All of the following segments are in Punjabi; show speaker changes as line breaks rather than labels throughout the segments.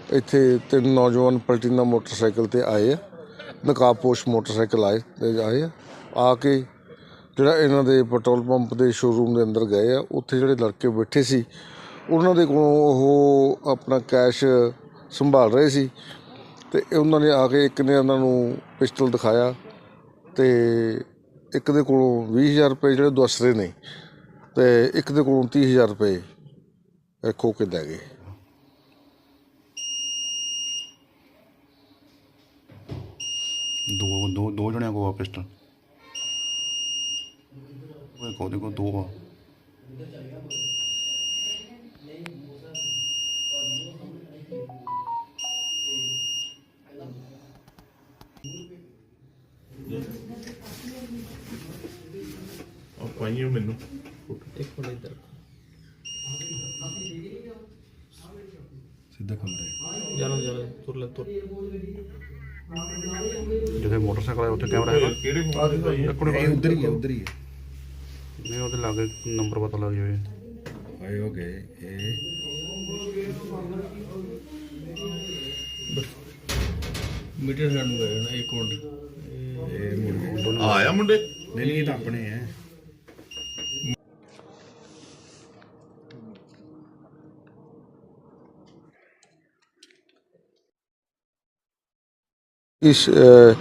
ਇੱਥੇ ਤਿੰਨ ਨੌਜਵਾਨ ਪਲਟੀਨਾ ਮੋਟਰਸਾਈਕਲ ਤੇ ਆਏ ਆ, ਨਕਾਬਪੋਸ਼ ਮੋਟਰਸਾਈਕਲ ਆਏ ਆ ਕੇ ਜਿਹੜਾ ਇਹਨਾਂ ਦੇ ਪੈਟਰੋਲ ਪੰਪ ਦੇ ਸ਼ੋਰੂਮ ਦੇ ਅੰਦਰ ਗਏ ਆ। ਉੱਥੇ ਜਿਹੜੇ ਲੜਕੇ ਬੈਠੇ ਸੀ ਉਹਨਾਂ ਦੇ ਕੋਲੋਂ ਉਹ ਆਪਣਾ ਕੈਸ਼ ਸੰਭਾਲ ਰਹੇ ਸੀ ਅਤੇ ਉਹਨਾਂ ਨੇ ਆ ਕੇ ਇੱਕ ਨੇ ਉਹਨਾਂ ਨੂੰ ਪਿਸਟਲ ਦਿਖਾਇਆ ਅਤੇ ਇੱਕ ਦੇ ਕੋਲੋਂ 20,000 ਰੁਪਏ ਜਿਹੜੇ ਦੱਸ ਰਹੇ ਨੇ ਅਤੇ ਇੱਕ ਦੇ ਕੋਲੋਂ 30,000 ਰੁਪਏ ਖੋਹ ਕੇ ਲੈ ਗਏ।
ਦੋ ਜਣਿਆਂ ਕੋਲ ਪਿਸਟਲ ਉਹਦੇ ਕੋਲ ਦੋ ਆ।
ਪਾਈਏ ਮੈਨੂੰ
ਇੱਕ ਮਿੰਟ ਇੱਧਰ
ਸਿੱਧਾ ਕਮਰੇ
ਜਾਣਾ ਤੁਰ ਲੈ ਤੁਰ।
ਜਿੱਥੇ ਮੋਟਰਸਾਈਕਲ ਹੈ ਉੱਥੇ ਕੈਮਰਾ ਹੈਗਾ।
ਕਿਹੜੇ ਮੋਬਾਈਲ ਦਾ ਇਹ
ਉਧਰ ਹੀ ਹੈ ਨਹੀਂ ਉਹਦੇ ਲਾਗੇ ਨੰਬਰ ਪਤਾ ਲੱਗ ਜਾਵੇ। ਆਏ ਹੋ ਗਏ
ਮੀਟਰ ਸਾਨੂੰ ਗਏ ਨਾ 1 ਮਿੰਟ
ਇਹ ਮੁੰਡੇ
ਆਇਆ ਮੁੰਡੇ
ਨਹੀਂ ਇਹ ਤਾਂ ਆਪਣੇ ਹੈ।
ਇਸ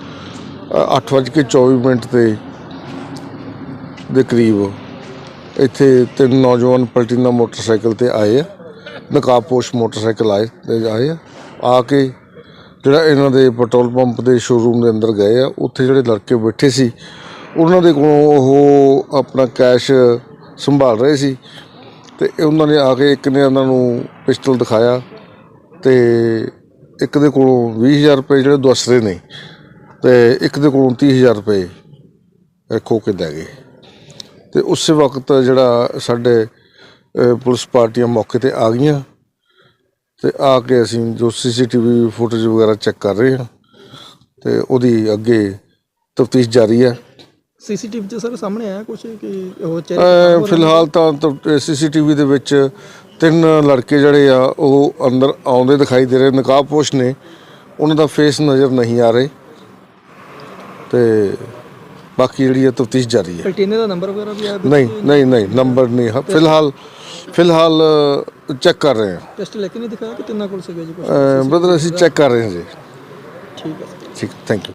8:24 ਦੇ ਕਰੀਬ ਇੱਥੇ ਤਿੰਨ ਨੌਜਵਾਨ ਪਲਟੀਨਾ ਮੋਟਰਸਾਈਕਲ ਤੇ ਆਏ ਆ, ਨਕਾਬਪੋਸ਼ ਮੋਟਰਸਾਈਕਲ ਆਏ ਆ ਕੇ ਜਿਹੜਾ ਇਹਨਾਂ ਦੇ ਪੈਟਰੋਲ ਪੰਪ ਦੇ ਸ਼ੋਰੂਮ ਦੇ ਅੰਦਰ ਗਏ ਆ। ਉੱਥੇ ਜਿਹੜੇ ਲੜਕੇ ਬੈਠੇ ਸੀ ਉਹਨਾਂ ਦੇ ਕੋਲੋਂ ਉਹ ਆਪਣਾ ਕੈਸ਼ ਸੰਭਾਲ ਰਹੇ ਸੀ ਅਤੇ ਉਹਨਾਂ ਨੇ ਆ ਕੇ ਇੱਕ ਨੇ ਉਹਨਾਂ ਨੂੰ ਪਿਸਟਲ ਦਿਖਾਇਆ ਅਤੇ ਇੱਕ ਦੇ ਕੋਲੋਂ 20,000 ਰੁਪਏ ਜਿਹੜੇ ਦੱਸ ਰਹੇ ਨੇ ਅਤੇ ਇੱਕ ਦੇ ਕੋਲੋਂ 30,000 ਰੁਪਏ ਖੋਹ ਕੇ ਲੈ ਗਏ। ਅਤੇ ਉਸੇ ਵਕਤ ਜਿਹੜਾ ਸਾਡੇ ਪੁਲਿਸ ਪਾਰਟੀਆਂ ਮੌਕੇ 'ਤੇ ਆ ਗਈਆਂ ਅਤੇ ਆ ਕੇ ਅਸੀਂ ਜੋ CCTV ਫੁਟੇਜ ਵਗੈਰਾ ਚੈੱਕ ਕਰ ਰਹੇ ਹਾਂ ਅਤੇ ਉਹਦੀ ਅੱਗੇ ਤਫਤੀਸ਼ ਜਾਰੀ ਹੈ।
CCTV 'ਚ ਸਰ ਸਾਹਮਣੇ ਆਇਆ ਕੁਛ ਕਿ ਉਹ
ਫਿਲਹਾਲ ਤਾਂ CCTV ਦੇ ਵਿੱਚ ਤਿੰਨ ਲੜਕੇ ਜਿਹੜੇ ਆ ਉਹ ਅੰਦਰ ਆਉਂਦੇ ਦਿਖਾਈ ਦੇ ਰਹੇ, ਨਕਾਬਪੋਸ਼ ਨੇ, ਉਹਨਾਂ ਦਾ ਫੇਸ ਨਜ਼ਰ ਨਹੀਂ ਆ ਰਹੇ ਅਤੇ ਬਾਕੀ ਜਿਹੜੀ ਹੈ ਤਫਤੀਸ਼ ਜਾਰੀ ਹੈ।
ਪਲਟੀਨੇ ਦਾ ਨੰਬਰ ਵਗੈਰਾ ਵੀ ਆਇਆ?
ਨਹੀਂ ਨੰਬਰ ਨਹੀਂ ਹੈ ਫਿਲਹਾਲ ਚੈੱਕ ਕਰ ਰਹੇ ਹਾਂ।
ਟੈਸਟ ਲੈ ਕੇ ਨਹੀਂ ਦਿਖਾਇਆ ਕਿ ਤਿੰਨਾਂ ਕੋਲ ਸੀਗਾ ਜੀ ਕੁਛ?
ਬ੍ਰਦਰ ਅਸੀਂ ਚੈੱਕ ਕਰ ਰਹੇ ਹਾਂ ਜੀ।
ਠੀਕ ਹੈ।
ਠੀਕ, ਥੈਂਕ ਯੂ।